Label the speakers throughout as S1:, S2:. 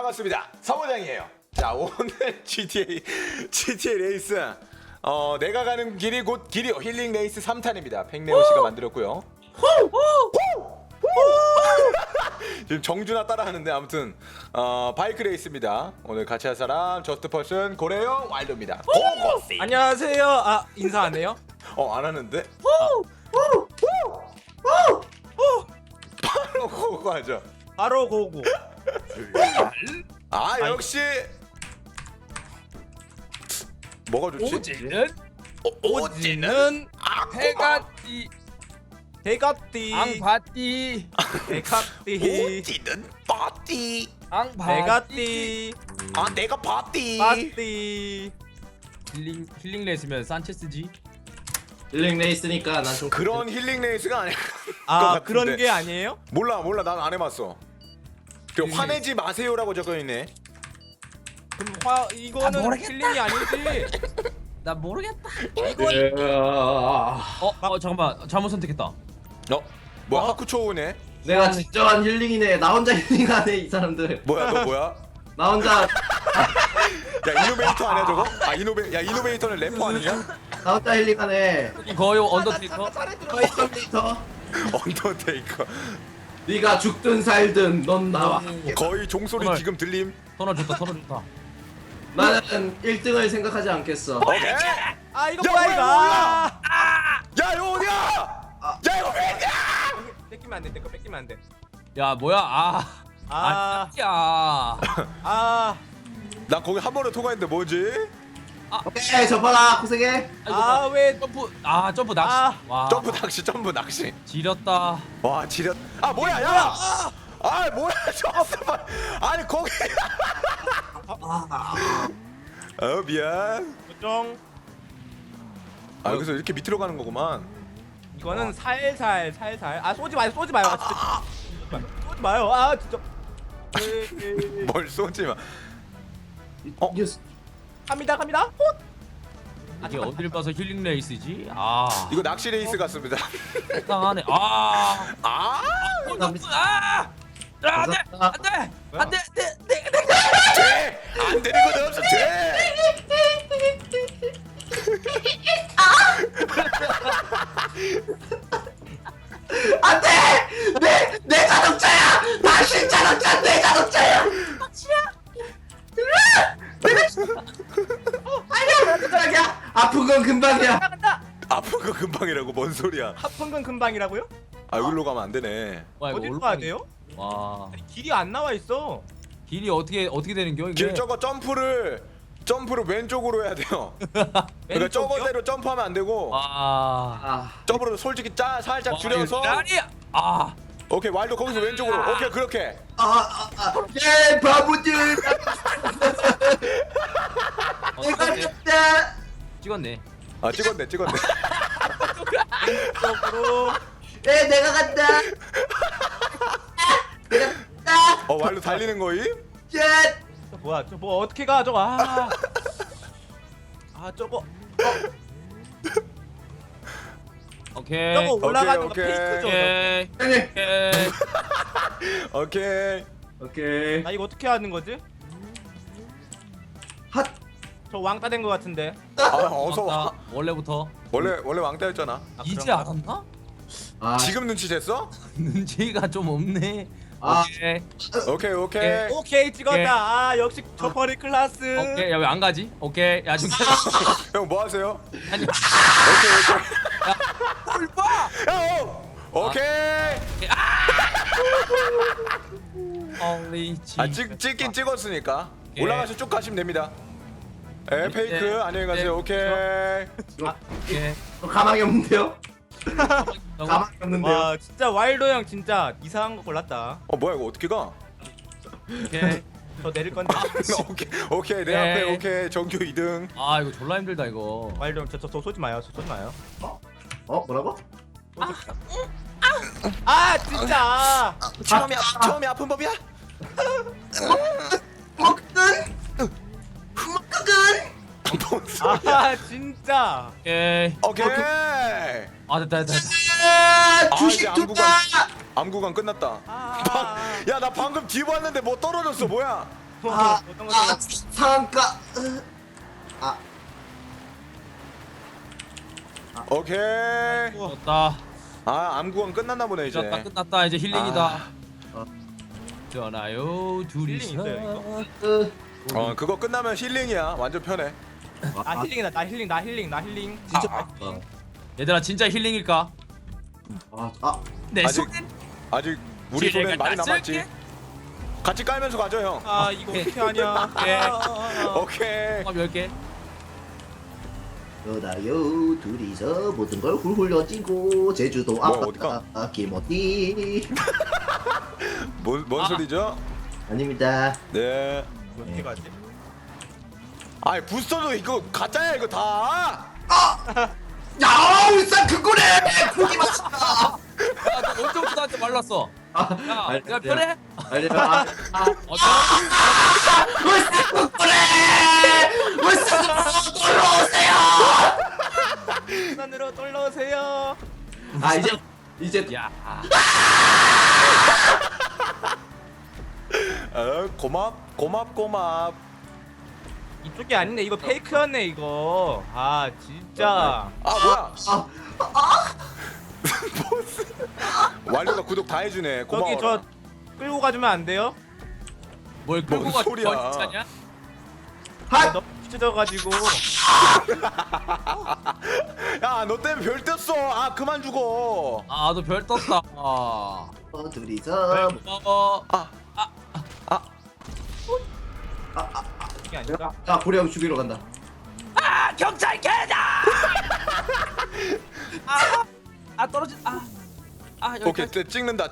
S1: 반갑습니다. 사모장이에요. 자, 오늘 GTA 레이스 내가 가는 길이 곧 길이요. 힐링 레이스 3탄입니다. 팽네오 씨가 만들었고요. 지금 정준아 따라하는데 아무튼 바이크 레이스입니다. 오늘 같이 할 사람 저스트 퍼슨 고래형 와일드입니다. 고고씨.
S2: 안녕하세요. 아 인사 안 해요?
S1: 안 하는데? 바로 고고 하죠.
S2: 바로 고고.
S1: 아 역시 뭐가 좋지?
S2: 오지는 해가띠 해가띠
S3: 앙바띠
S2: 해가띠
S1: 오지는 파티.
S2: 해가띠
S1: 아 내가 파티.
S2: 파띠.
S3: 힐링 레이스면 산체스지.
S4: 힐링 레이스니까 난 좀
S1: 그런 힐링 레이스가 아닐 것
S2: 아
S1: 같은데.
S2: 그런 게 아니에요?
S1: 몰라 난 안 해봤어. 그 화내지 마세요라고 적혀있네.
S2: 그럼 이거는
S3: 모르겠다.
S2: 힐링이 아니지.
S3: 나 모르겠다. 잠깐만 잘못 선택했다.
S1: 뭐야 하쿠초우네.
S4: 내가 진정한 힐링이네. 나 혼자 힐링하네 이 사람들.
S1: 뭐야 너 뭐야?
S4: 나 혼자
S1: 야 이노베이터 아니야 저거? 아 이노베이터는 래퍼 아니야?
S4: 나 혼자 힐링하네.
S3: 거의 언더테이커.
S4: 파이터미터.
S1: 언더테이커.
S4: 네가 죽든 살든 넌 나와.
S1: 거의 종소리
S3: 정말.
S1: 지금 들림.
S3: 턴어 좋다.
S4: 나는 1등을 생각하지 않겠어.
S1: 오케이.
S2: 아 이거
S1: 야,
S2: 뭐야
S1: 뭐야,
S2: 이거?
S1: 뭐야? 야 이거 어디야? 야 이거 왜냐?
S2: 뺏기면 안 돼. 내거 뺏기면 안 돼.
S3: 야 뭐야?
S2: 아.
S3: 야.
S1: 나 거기 한 번에 통과했는데 뭐지?
S4: 오케이 접어라 고생해.
S2: 왜
S3: 점프 낚시. 와.
S1: 점프 낚시.
S3: 지렸다.
S1: 와 지렸. 아 뭐야 야. 아 뭐야 잠깐만. 아니 거기. 미안.
S2: 걱정.
S1: 여기서 이렇게 밑으로 가는 거구만.
S2: 이거는 살살. 아 쏘지 마요. 진짜. 쏘지 마요. 아 진짜.
S1: 뭘 쏘지 마.
S4: 뉴스.
S2: 갑니다.
S3: 이게 어딜 봐서 힐링 레이스지?
S1: 이거 낚시 레이스 같습니다.
S3: 이상하네. 안돼.
S1: 돼! 안 되는 건 없어. 돼!
S4: 안돼. 내 자동차야. 당신 자동차 내 자동차야. 아니야. 아픈 건 금방이야.
S1: 아픈 거 금방이라고 뭔 소리야?
S2: 아픈 건 금방이라고요?
S1: 여기로 가면 안 되네.
S3: 와 이거
S2: 어디로
S3: 올라가기-
S2: 가야 돼요?
S3: 와
S2: 아니, 길이 안 나와 있어.
S3: 길이 어떻게 되는겨 이게?
S1: 길 저거 점프를 왼쪽으로 해야 돼요. 그러니까
S2: 왼쪽이요?
S1: 저거대로 점프하면 안 되고
S3: 와.
S1: 점프로 솔직히 살짝
S3: 와,
S1: 줄여서.
S3: 이거 아니야.
S1: 오케이 와일드 거기서 왼쪽으로. 오케이 그렇게.
S4: 예 바보들. 내가 졌다.
S3: 찍었네.
S1: 찍었네.
S2: 쪽으로.
S4: 예 내가 간다. 내가 간다.
S1: 와일드 달리는 거임?
S4: 예.
S2: 뭐야? 저 뭐 어떻게 가 저거? 저거.
S3: 오케이.
S2: 저거 올라가는 거
S1: 오케이.
S2: 페이크죠.
S3: 오케이.
S4: 형님.
S1: 오케이.
S4: 오케이.
S2: 나 이거 어떻게 하는 거지?
S4: 핫.
S2: 저 왕따 된 거 같은데.
S1: 어서 와.
S3: 원래부터.
S1: 원래 왕따였잖아.
S3: 이제
S2: 그런가?
S3: 알았나?
S4: 아.
S1: 지금 눈치챘어?
S3: 눈치가 좀 없네.
S4: 아.
S3: 오케이.
S1: 오케이.
S2: 오케이 찍었다. 역시 저퍼리 클라스.
S3: 오케이. 야 왜 안 가지? 오케이. 야 지금
S1: 형 뭐 하세요?
S3: 아니.
S1: 오케이.
S3: 뭘 봐?
S1: 오케이.
S3: 홀리 지.
S1: 찍긴 찍었으니까
S3: 오케이.
S1: 올라가서 쭉 가시면 됩니다. 페이크 안녕히 가세요. 오케이.
S3: 오케이.
S4: 가망이 없는데요?
S3: 어,
S4: 가망이 없는데요?
S2: 와 진짜 와일드 형 진짜 이상한 거 골랐다.
S1: 뭐야 이거 어떻게 가?
S3: 오케이.
S2: 저 내릴 건데.
S1: 오케이 내 앞에 오케이 정규 2등.
S3: 아 이거 졸라 힘들다 이거.
S2: 와일드 형 저 쏘지 마요. 쏘지 마요.
S4: 뭐라고?
S2: 진짜.
S1: 처음이 아픈 법이야?
S4: 먹든
S2: 진짜.
S3: 오케이.
S1: 오케이.
S3: 아 됐다.
S4: 주식
S1: 이제
S4: 투자.
S1: 암구간 끝났다. 야 나 방금 뒤 봤는데 뭐 떨어졌어 뭐야?
S2: 어떤 거
S4: 상가.
S1: 오케이.
S3: 끝났다.
S1: 아 암구간 끝났나 보네 이제.
S3: 끝났다. 이제 힐링이다.
S4: 아.
S3: 전화요 둘이서.
S2: 힐링 있어요,
S1: 그거 끝나면 힐링이야. 완전 편해.
S2: 아 힐링이다. 나 힐링.
S4: 진짜.
S3: 얘들아 진짜 힐링일까?
S2: 네,
S3: 내
S1: 아직-
S3: 손엔
S1: 아직 우리
S3: 지뢰가
S1: 손엔 많이
S3: 다
S1: 남았지.
S3: 쓸게.
S1: 같이 깔면서 가죠 형.
S2: 아 이거 어떻게 하냐?
S1: 오케이.
S3: 종합 10개.
S4: 그러나요 둘이서 모든 걸 훌훌 던지고 제주도
S1: 어디가?
S4: 아빠 김어디.
S1: 뭔 소리죠?
S4: 아닙니다.
S1: 네.
S2: 어떻게 가지?
S1: 아이 부스터도 이거 가짜야 이거 다.
S4: 야 울산 그거래. 고기 맛있다.
S3: 야너 언제부터 나한테 말랐어? 야 내가 편해?
S4: 아니야.
S3: 어떤
S4: 울산 그거래. 울산 놀러 오세요.
S2: 산으로 놀러 오세요.
S4: 아 이제
S3: 야
S1: 고맙.
S2: 이쪽이 아닌데 이거 페이크였네 이거. 아 진짜.
S1: 아 뭐야? 완료가 구독 다 해주네. 고마워.
S2: 저기 저 끌고 가주면 안 돼요?
S3: 뭘 끌고
S1: 뭔
S3: 가
S1: 소리야.
S3: 진짜냐?
S2: 너무 찢어져가지고.
S1: 야너 때문에 별 떴어. 아 그만 죽어.
S3: 아 너 별 떴다. 아
S4: 둘이서
S3: 고마워.
S2: 이게 아닌가?
S4: 고래 형 죽이러 간다.
S3: 아 경찰 개다. 아 떨어진 여기
S1: 오케이 찍는다.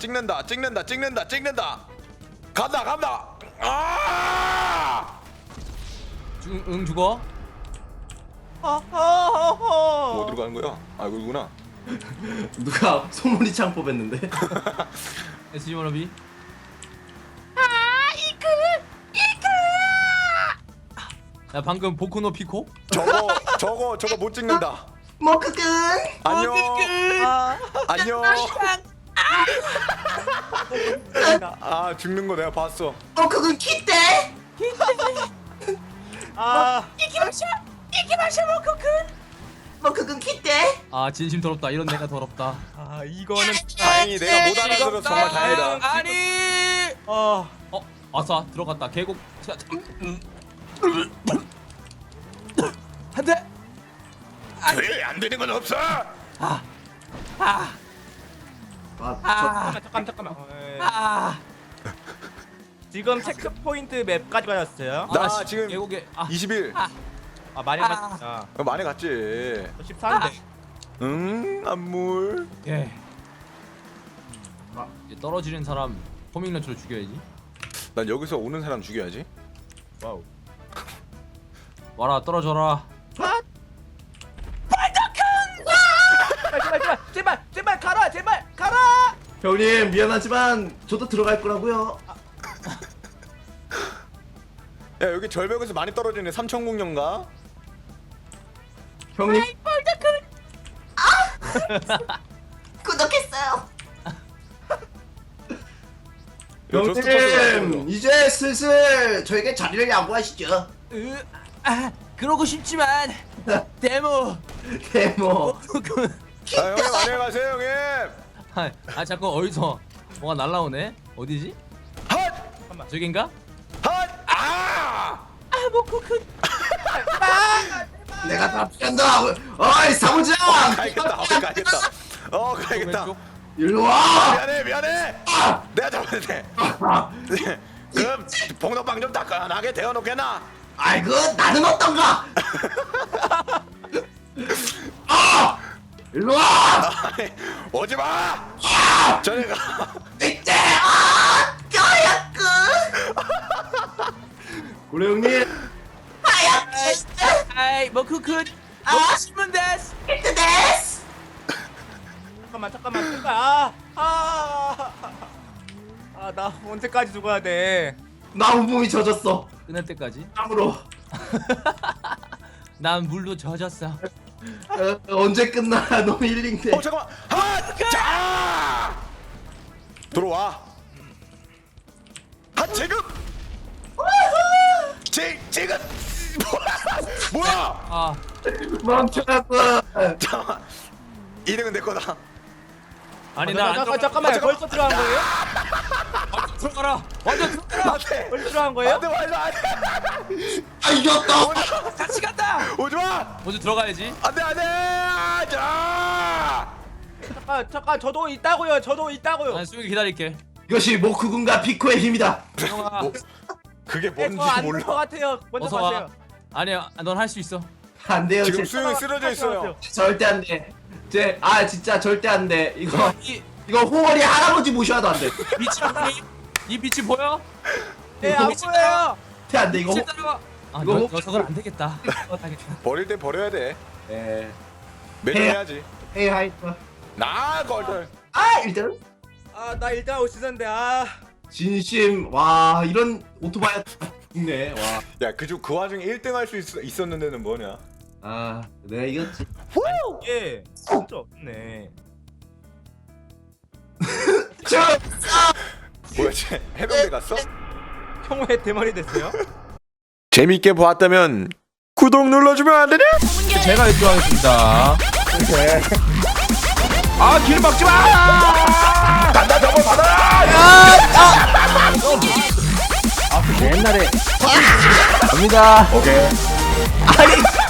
S1: 간다. 아!
S3: 응 죽어.
S1: 뭐 어디로 가는 거야? 아 이거구나.
S4: 누가 소문이 창 뽑았는데?
S3: SG 워너비. 야 방금 보코노 피코?
S1: 저거 못 찍는다.
S4: 머크근
S1: 안녕.
S2: 아,
S1: 안녕. 아 죽는 거 내가 봤어.
S4: 머크근 키대.
S2: 아,
S4: 머크근 키대.
S3: 아 진심 더럽다. 이런 내가 더럽다.
S2: 아 이거는
S1: 다행히 내가 못 알아들어서 정말 다행이다.
S3: 아니. 아싸 들어갔다. 계곡. 한 대.
S1: 안 되는 건 없어.
S2: 잠깐만. 지금 체크 포인트 맵까지 가졌어요.
S1: 나 지금
S3: 계곡에
S1: 21.
S2: 많이 갔다.
S1: 많이 갔지.
S2: 14인데.
S1: 안물.
S3: 예. 이제 떨어지는 사람 포밍런처로 죽여야지.
S1: 난 여기서 오는 사람 죽여야지.
S2: 와우.
S3: 와라 떨어져라.
S2: 제발 가라.
S4: 형님 미안하지만 저도 들어갈 거라고요.
S1: 야 여기 절벽에서 많이 떨어지네. 삼천공룡가?
S4: 형님 구독했어요. 형님 이제 슬슬 저에게 자리를 양보하시죠.
S3: 그러고 싶지만 데모.
S4: 데모.
S1: 아 형님 안녕히 가세요 형님.
S3: 아 자꾸 어디서 뭐가 날라오네. 어디지?
S1: 핫!
S3: 저긴가?
S1: 핫! 아!
S4: 내가 다 피한다. 어이 사무장.
S1: 가야겠다. 가야겠다.
S3: 왼쪽?
S4: 일로 와.
S1: 미안해. 내가 잡았네. 그럼 봉덕방 좀 따끈하게 데워놓겠나?
S4: 아이고 나는 어떤가. 일로 와.
S1: 오지 마. 저리 가.
S4: 이때 까야끄. 고래 형님.
S3: 아이 뭐 쿠쿠. 먹으시면 데스.
S4: 데스.
S2: 잠깐만. 제발. 나 언제까지 죽어야 돼?
S4: 나 온몸이 젖었어.
S3: 끝날 때까지.
S4: 땀으로.
S3: 난 물로 젖었어.
S4: 언제 끝나? 너무 힐링돼.
S1: 잠깐만. 자. 들어와. 지금. 지금 뭐야?
S3: 아
S4: 멈춰라고.
S1: 잠깐만. 2등은 내 거다.
S3: 아니 나 안
S2: 잠깐만 벌써 들어간 거예요?
S3: 들어가라. 완전 들어가라.
S1: 안돼.
S2: 벌써 들어간 거예요?
S1: 안돼 말도 안돼.
S4: 아 이겼다.
S3: 같이 간다.
S1: 오지 마.
S3: 먼저 들어가야지.
S1: 안돼 안돼. 자.
S2: 잠깐 저도 있다고요. 저도 있다고요.
S3: 난 수영이 기다릴게.
S4: 이것이 모쿠군과 피코의 힘이다.
S3: 수영아.
S1: 그게 뭔지
S2: 저안될것
S1: 몰라.
S2: 같아요. 먼저
S3: 어서 와.
S2: 가세요.
S3: 아니야, 넌 할 수 있어.
S4: 안 돼요.
S1: 지금
S4: 제,
S1: 수영이 쓰러져 있어요.
S4: 절대 안 돼. 진짜 절대 안 돼.
S3: 이
S4: 이거 호월이 할아버지 모셔도 안 돼.
S3: 빛이 보니? 이 빛이 보여?
S2: 네, 안 보여요.
S4: 절대 안 돼. 이거
S3: 빛이 따라와. 아,
S4: 이거
S3: 녀석은 안 되겠다.
S1: 버릴 때 버려야 돼.
S4: 네.
S1: 매정해야지.
S4: 헤이 하이트.
S1: 나 걸들.
S4: 아 일단
S2: 아, 나 일단 올 시즌인데
S4: 진심 와 이런 오토바이 있네. 와.
S1: 야, 그 와중에 1등 할 수 있었는데는 뭐냐?
S4: 아 내가 이겼지.
S2: 예. 진짜 없네.
S1: 뭐야, 쟤 해병대 갔어?
S2: 형 왜 대머리 됐어요?
S1: 재밌게 보았다면 구독 눌러주면 안 되냐?
S2: 제가 1등 하겠습니다. 아, 길 막지 마!
S1: 간다, 저거 받아라!
S2: 옛날에 갑니다.
S1: 오케이.
S2: 아니